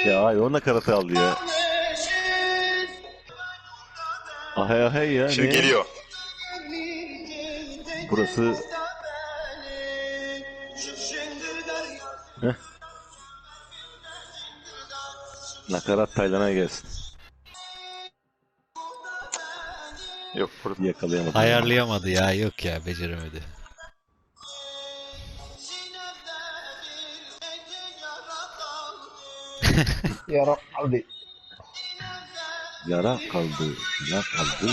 Ya ay o nakaratı aldı ya. Ahay ahay ya. Şimdi ne? geliyor. Burası... Heh. Nakarat Taylan'a gelsin. Yok burada. Yakalayamadım. Ayarlayamadı ya. Yok ya, beceremedi. Yara hadi. Yara kaldı. Yara kaldı.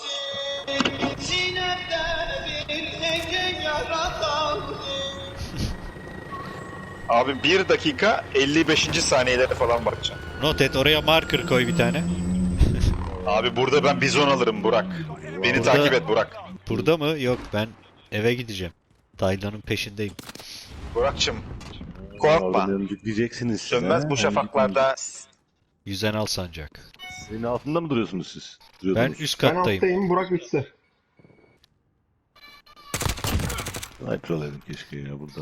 Abi 1 dakika 55. saniyelere falan bakacağım. Not et, oraya marker koy bir tane. Abi burada ben bizon alırım Burak. Beni Burada- takip et Burak. Burada mı? Yok, ben eve gideceğim. Taylan'ın peşindeyim. Burak'cığım korkma. Oradan öncük diyeceksiniz. Sönmez He? bu şafaklarda. Yüzen al sancak. Senin altında mı duruyorsunuz siz? Ben Duruyordunuz. üst Ben kattayım. alttayım, Burak üstte. Sniper alaydım keşke ya burada.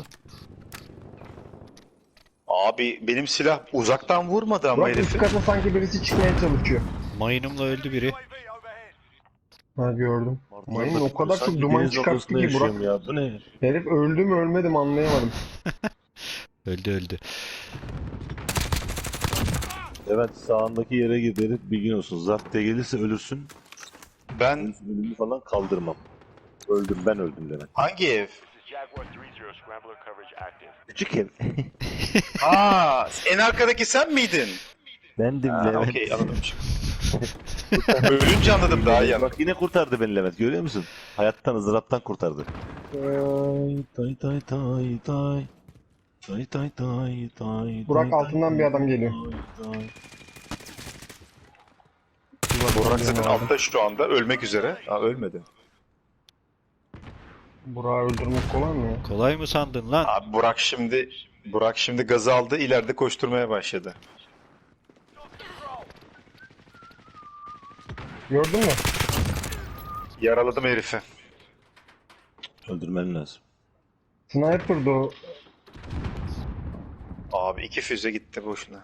Abi benim silah uzaktan vurmadı ama Burak üst herifi. kata sanki birisi çıkmaya çalışıyor. Mayınımla öldü biri. Ha gördüm. Mayın o kadar çok Sanki duman deniz çıkarttı ortasında ki yaşıyorum Burak. ya. Bu ne? Herif öldü mü ölmedi mi anlayamadım. Öldü. Evet, sağındaki yere gidelim, bilgin olsun. Zart diye gelirse ölürsün. Ben Ölümü falan kaldırmam. Öldüm, ben öldüm demek. hangi ev? Jaguar 3-0, scrambler coverage active. Küçük ev. Aa, en arkadaki sen miydin? Bendim Ha, Levent. okey anladım şimdi. Ölünce anladım daha iyi anladım. Bak yine kurtardı beni Levent, görüyor musun? Hayattan, ızdıraptan kurtardı. Tay tay tay tay. Tay tay tay tay. Burak tay, altından tay, bir adam geliyor. tay, tay. Burak zaten altta şu anda ölmek üzere. Aa ölmedi. Burak'ı öldürmek kolay mı ya? Kolay mı sandın lan? Abi Burak şimdi gazı aldı, ileride koşturmaya başladı. Gördün mü? Yaraladım herifi. Öldürmen lazım. Sniper'dı o. Abi 2 füze gitti boşuna.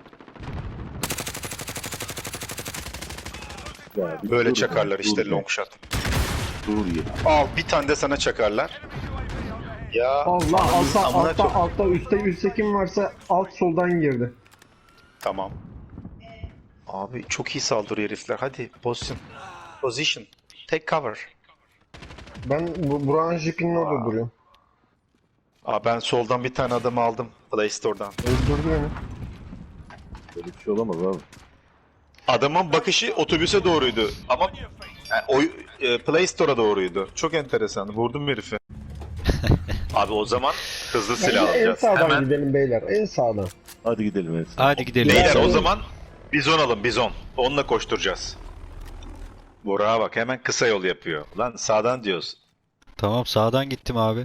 Ya, bir Böyle dur çakarlar ya, işte dur long ya, shot. Dur ya. Al bir tane de sana çakarlar. Ya Allah altta amına altta çok- altta üstte kim varsa alt soldan girdi. Tamam. Abi çok iyi saldırıyor herifler. Hadi pozisyon. Position. Take cover. Ben Burak'ın jipinin orada duruyorum. Aa ben soldan bir tane adam aldım. Play Store'dan. Öldürdü beni. Böyle bir şey olamaz abi. Adamın bakışı otobüse doğruydu ama Play Store'a doğruydu. Çok enteresan. Vurdum herifi. Abi o zaman hızlı silah Bence en alacağız. sağdan Hemen. gidelim beyler. En sağdan. Hadi gidelim evet. Hadi gidelim. Beyler o Ben- zaman bizon alın bizon. Onunla koşturacağız. Burak'a bak hemen kısa yol yapıyor. Lan sağdan diyoruz. Tamam, sağdan gittim abi.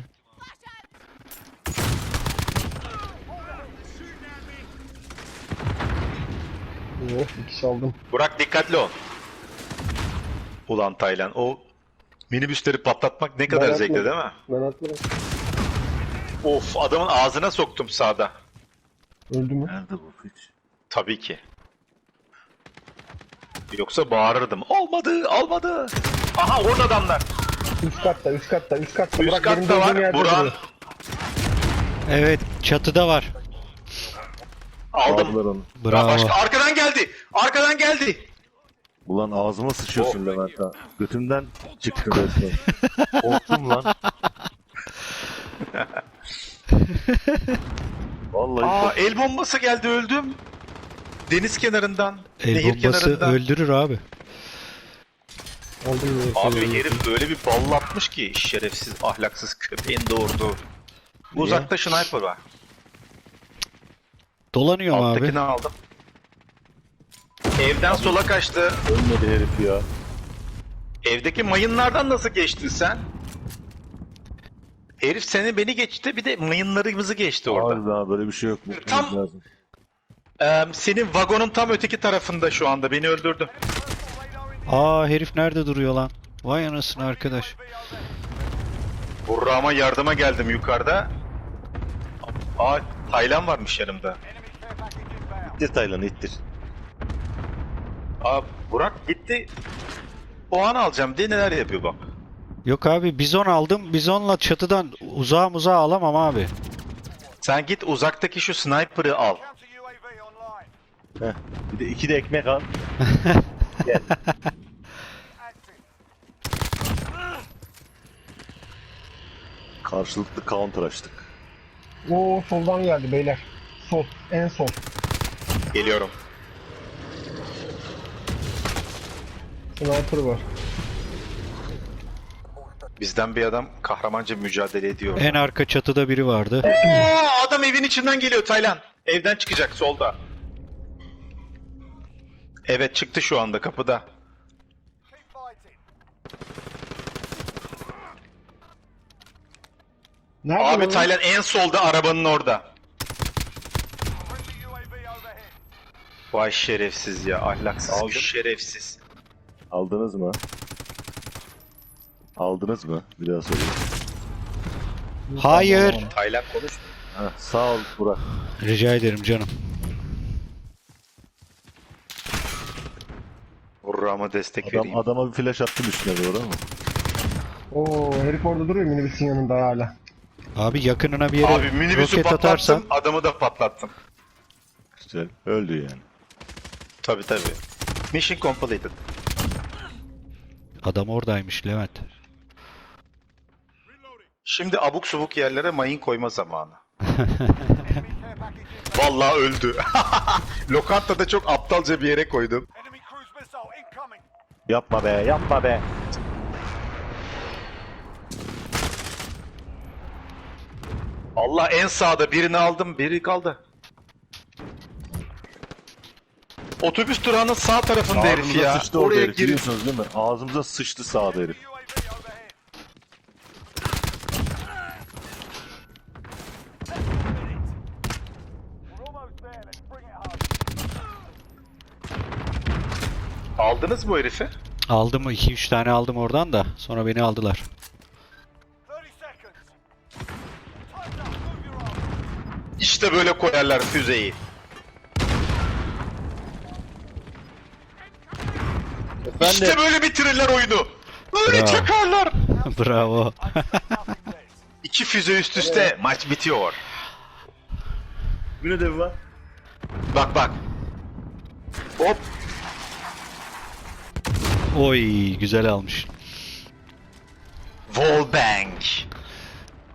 Oh, bir kişi aldım. Burak dikkatli ol. Ulan Taylan o minibüsleri patlatmak ne kadar Ben zevkli atmadım. değil mi? Ben atladım. Of adamın ağzına soktum sağda. Öldü mü? Nerede bu piç? Tabii ki. Yoksa bağırırdım. Olmadı. Aha orada adamlar. Üst katta. Üst Burak benim katta durduğum var. yerde Burak duruyor. Evet, çatıda var. aldım. Aldılar onu. Bravo. Başka arkadan geldi. Ulan ağzıma sıçıyorsun Levent ha. Götümden çıktı resmen. Korktum lan. Vallahi Aa el bombası geldi öldüm. Deniz kenarından. El nehir bombası kenarından. öldürür abi. Aldım yine. Abi herif öyle bir ballatmış ki şerefsiz ahlaksız köpeğin doğurdu. Uzakta sniper var. Dolanıyorum abi. Alttakini aldım. Evden sola kaçtı. ölmedi herif ya. Evdeki mayınlardan nasıl geçtin sen? Herif seni beni geçti bir de mayınlarımızı geçti orada. Abi daha böyle bir şey yok. Tam- Tam... lazım. Senin vagonun tam öteki tarafında şu anda beni öldürdü. Aa, herif nerede duruyor lan? Vay anasını arkadaş. Burra'ma yardıma geldim yukarıda. Aa Taylan varmış yanımda. İttir Taylan'ı ittir. Abi Burak gitti. Puan alacağım diye neler yapıyor bak. Yok abi bizon aldım. Bizonla çatıdan uzağa alamam abi. Sen git uzaktaki şu sniper'ı al. Counter UAV online. Heh. Bir de 2 de ekmek al. Gel. Active. Karşılıklı counter açtık. Oo soldan geldi beyler. Sol. En sol. Geliyorum. Sniper var. Bizden bir adam kahramanca mücadele ediyor. En arka çatıda biri vardı. Oo, adam evin içinden geliyor Taylan. Evden çıkacak solda. Evet çıktı şu anda kapıda. Keep fighting. Nerede Abi lan? Taylan en solda arabanın orada. Friendly UAV overhead. Vay şerefsiz ya ahlaksız Aldım. şerefsiz. Aldınız mı? Aldınız mı? Bir daha söyleyeyim. Hayır. Taylan konuş. Heh, sağ ol Burak. Rica ederim canım. Urra'ma destek vereyim. Adama bir flash attım üstüne doğru ama. Oo herif orada duruyor minibüsün yanında hala. Abi yakınına bir yere Abi minibüsü roket patlattım, atarsan adamı da patlattım. Güzel. Öldü yani. Tabi tabi. Mission completed. adam oradaymış Levent. Şimdi abuk subuk yerlere mayın koyma zamanı. Enemy care package inbound. Vallahi öldü. Lokantada çok aptalca bir yere koydum. Enemy cruise missile incoming. Yapma be, yapma be. Allah en sağda birini aldım, biri kaldı. Otobüs durağının sağ tarafında herif Ağzımıza ya. sıçtı orada Oraya herif. girip Biliyorsunuz değil mi? Ağzımıza sıçtı sağda herif. UAV overhead. We're almost there. Let's bring it home. aldınız mı o herifi? Aldım 2-3 tane aldım oradan da sonra beni aldılar. 30 seconds. Time's up. Move your arms. İşte böyle koyarlar füzeyi. İşte böyle bitirirler oyunu. Böyle Bravo. çakarlar. Bravo. Nothing less. İki füze üst üste maç bitiyor. Bir ödevi var. Bak bak. Hop. Oy güzel almış. Wallbang.